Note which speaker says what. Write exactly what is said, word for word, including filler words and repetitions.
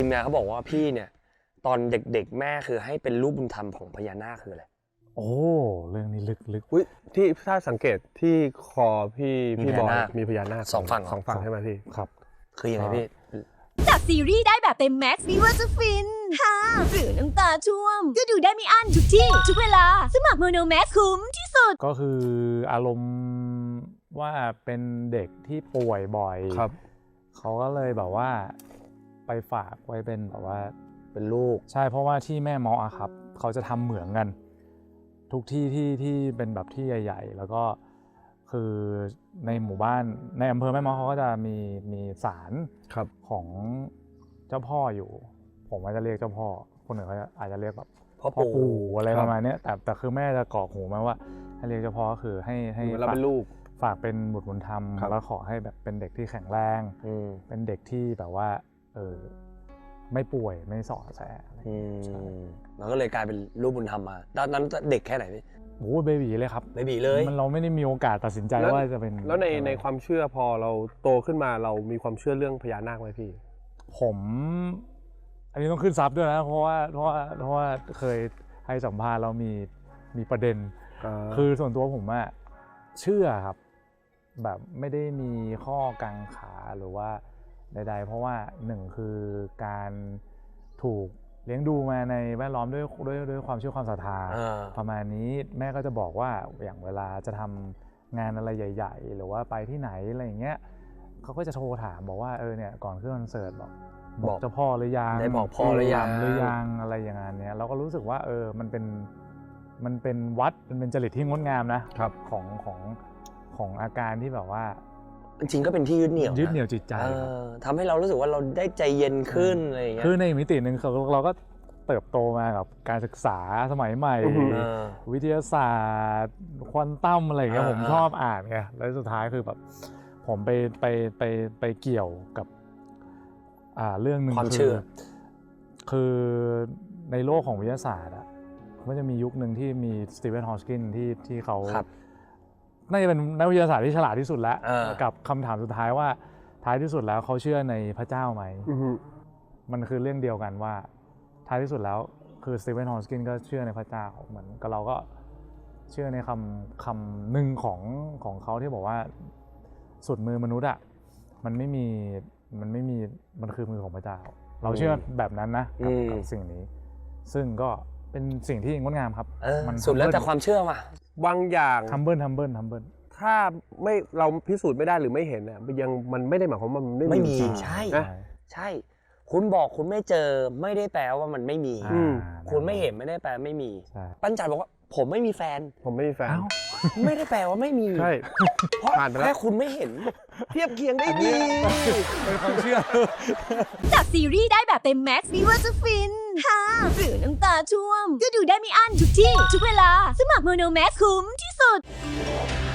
Speaker 1: มาเขาบอกว่าพี่เนี่ยตอนเด็กๆแม่คือให้เป็นลูกบุญธรรมของพญานาคคืออะไร
Speaker 2: โอ้เรื่องนี้ลึกลึก
Speaker 3: อุ้ยที่ถ้าสังเกตที่คอพี่พี่บอยมีพญานาค
Speaker 1: สองฝั่ง
Speaker 3: สองฝั่งใช่ไหมพี่
Speaker 2: ครับ
Speaker 1: คือยังไงพี่
Speaker 4: จากซีรีส์ได้แบบเต็มแม็กซ์ไม่ว่าจะฟินฮ่าหรือน้ำตาท่วมก็ดูได้ไม่อั้นทุกที่ทุกเวลาสมัครโมโนแม็กซ์คุ้มที่สุด
Speaker 2: ก็คืออารมณ์ว่าเป็นเด็กที่ป่วยบ่อย
Speaker 3: ครับ
Speaker 2: เขาก็เลยแบบว่าไปฝากไว้เป็นแบบว่า
Speaker 1: เป็นลูก
Speaker 2: ใช่เพราะว่าที่แม่เมาะอะครับเขาจะทำเหมืองกันทุกที่ที่ที่เป็นแบบที่ใหญ่ๆแล้วก็คือในหมู่บ้านในอำเภอแม่เมาะเขาก็จะมีมีศาลของเจ้าพ่ออยู่ผมว่าจะเรียกเจ้าพ่อคนอื่นเขาอาจจะเรียกแบบ
Speaker 1: พ่อ
Speaker 2: ปู่อะไรประมาณนี้แต่แต่คือแม่จะกรอกหูมาว่าให้เรียกเจ้าพ่อก็คือให้ให้
Speaker 3: เราเป็นลูก
Speaker 2: ฝากเป็นบุตรบุญธรรมแล้วขอให้แบบเป็นเด็กที่แข็งแรงเป็นเด็กที่แบบว่าเออไม่ป่วยไม่สอดแส
Speaker 1: มันก็เลยกลายเป็นลูกบุญธรรมมาตอนนั้นเด็กแค่ไหนพี่
Speaker 2: โอ้เบบีเลยครับ
Speaker 1: เบบีเลย
Speaker 2: มันเราไม่ได้มีโอกาสตัดสินใจว่าจะเป็น
Speaker 3: แล้วในในความเชื่อพอเราโตขึ้นมาเรามีความเชื่อเรื่องพญานาคไหมพี่
Speaker 2: ผมอันนี้ต้องขึ้นซับด้วยนะเพราะว่าเพราะว่าเพราะว่าเคยให้สัมภาษณ์เรามีมีประเด็นคือส่วนตัวผมอะเชื่อครับแบบไม่ได้มีข้อกังขาหรือว่าใดๆเพราะว่าหนึ่งคือการถูกเลี้ยงดูมาในแวดล้อมด้วยด้วยด้วยความเชื่อความศรัทธาประมาณนี้แม่ก็จะบอกว่าอย่างเวลาจะทำงานอะไรใหญ่ๆหรือว่าไปที่ไหนอะไรอย่างเงี้ยเขาก็จะโทรถามบอกว่าเออเนี่ยก่อนขึ้นคอนเสิร์ตบอกบอกเจ้าพ่อหรือยัง
Speaker 1: ได้บอกพ่อหรือยัง
Speaker 2: หรือยังอะไรอย่างเงี้ยเราก็รู้สึกว่าเออมันเป็นมันเป็นวัดมันเป็นจริตที่งดงามนะครับของของของอาการที่แบบว่า
Speaker 1: จริงก็เป็นที่ยึดเหนี่ยว
Speaker 2: ยึดเหนี่ยวจิตใจ
Speaker 1: ทำให้เรารู้สึกว่าเราได้ใจเย็นขึ้นอะไรอย่างเงี้ย
Speaker 2: คือในมิติหนึ่งเราก็เติบโตมากับการศึกษาสมัยใหม่วิทยาศาสตร์ควอนตัมอะไรอย่างเงี้ยผมชอบอ่านไงแล้วสุดท้ายคือแบบผมไปไปไปไปเกี่ยวกับอ่าเรื่องนึง
Speaker 1: ความเชื่อ
Speaker 2: คือในโลกของวิทยาศาสตร์อ่ะมันจะมียุคหนึ่งที่มีสตีเวนฮอว์กินที่ที่เขาน่าจะเป็นนักวิทยาศาสตร์ที่ฉลาดที่สุดแล้วกับคำถามสุดท้ายว่าท้ายที่สุดแล้วเขาเชื่อในพระเจ้าไหมมันคือเรื่องเดียวกันว่าท้ายที่สุดแล้วคือสตีเวนฮอว์กินก็เชื่อในพระเจ้าเหมือนกับเราก็เชื่อในคำคำหนึ่งของของเขาที่บอกว่าสุดมือมนุษย์อ่ะมันไม่มีมันไม่มีมันคือมือของพระเจ้าเราเชื่อแบบนั้นนะกับสิ่งนี้ซึ่งก็เป็นสิ่งที่งดงามครับ
Speaker 1: มันสุดแล้วแต่ความเชื่อว่ะ
Speaker 3: บางอย่าง
Speaker 2: ทัมเบิลทัมเบิลทัมเบิล
Speaker 3: ถ้าไม่เราพิสูจน์ไม่ได้หรือไม่เห็นอ่ะยังมันไม่ได้หมายความว่ามัน
Speaker 1: ไม่มีใช่ใช่คุณบอกคุณไม่เจอไม่ได้แปลว่ามันไม่มีคุณไม่เห็นไม่ได้แปลไม่มีปั้นจันบอกว่าผมไม่มีแฟน
Speaker 3: ผมไม่มีแฟน
Speaker 1: ไม่ได้แปลว่าไม่มี
Speaker 3: ใช่
Speaker 1: เพราะแค่คุณไม่เห็นเทียบเคียงได้ดี
Speaker 2: เป็นความเชื่อ
Speaker 4: จากซีรีส์ได้แบบเต็มแม็กซ์ไม่ว่าจะฟินฮ่าหรือน้ำตาท่วมก็ดูได้ไม่อั้นทุกที่ทุกเวลาสมัครโมโนแม็กซ์คุ้มที่สุด